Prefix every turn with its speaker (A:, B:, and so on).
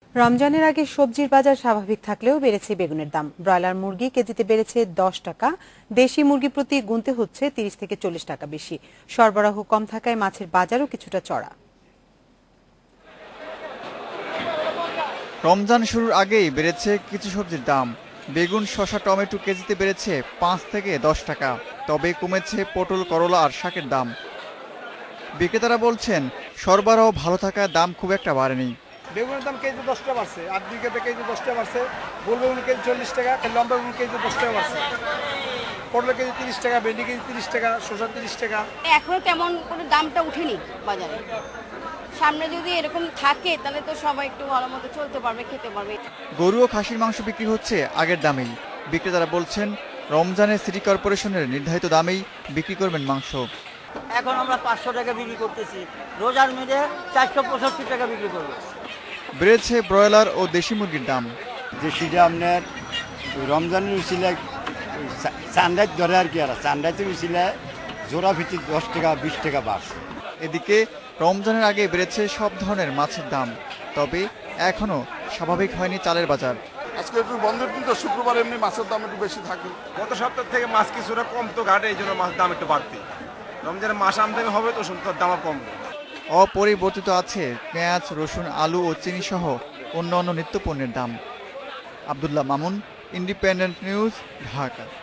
A: রমজানের আগে সবজির বাজার স্বাভাবিক থাকলেও বেড়েছে বেগুনের দাম। ব্রয়লার মুরগি কেজিতে বেড়েছে 10 টাকা, দেশি মুরগি প্রতি গুনতে হচ্ছে 30 থেকে 40 টাকা বেশি। সরবরাহ কম থাকায় মাছের বাজারও কিছুটা চড়া।
B: রমজান শুরুর আগেই বেড়েছে কিছু সবজির দাম। বেগুন, শসা, টমেটো কেজিতে বেড়েছে 5 থেকে 10 টাকা। তবে কমেছে পটল, করলা আর শাকের দাম। বিক্রেতারা বলছেন সরবরাহ ভালো থাকায় দাম খুব একটা বাড়েনি।
C: বেগুনের দাম কেজি 10 টাকা বাড়ছে, 8 বিঘাতে কেজি 10 টাকা বাড়ছে, গোল বেগুন কেজি 40 টাকা, লম্বা বেগুন কেজি 10 টাকা বাড়ছে, পটল কেজি 30 টাকা, ভেন্ডি কেজি 30 টাকা, শসা 30 টাকা।
D: এখনো তেমন কোনো দামটা উঠেনি বাজারে। সামনে যদি এরকম থাকে তাহলে তো সবাই একটু ভালো মতো চলতে পারবে, খেতে পারবে।
B: গরু ও খাসির মাংস বিক্রি হচ্ছে আগের দামেই। বিক্রেতারা বলছেন রমজানে সিটি কর্পোরেশনের নির্ধারিত দামেই বিক্রি করবেন মাংস।
E: এখন আমরা 500 টাকা বিক্রি করতেছি, রোজার মধ্যে 465 টাকা বিক্রি করবো।
B: বেড়েছে ব্রয়লার ও দেশি মুরগির দাম।
F: দেশিটা আপনার রমজানের উচিলায় চান্দায় ধরে আর কি, আর চান্দাইতে উচিলায় জোড়া ভিত্তিক 10 টাকা 20 টাকা বাড়ছে।
B: এদিকে রমজানের আগে বেড়েছে সব ধরনের মাছের দাম। তবে এখনো স্বাভাবিক হয়নি চালের বাজার।
G: আজকে একটু বন্ধের দিন তো, শুক্রবার এমনি মাছের দাম একটু বেশি থাকে।
C: গত সপ্তাহ থেকে মাছ কিছুটা কম তো ঘাটে, এই জন্য মাছের দাম একটু বাড়তি। রমজানের মাছ আমদানি হবে তো শুনতে দাম কমবে।
B: অপরিবর্তিত আছে পেঁয়াজ, রসুন, আলু ও চিনি সহ অন্যান্য নিত্যপণ্যের দাম। Abdullah Mamun, independent news, Dhaka.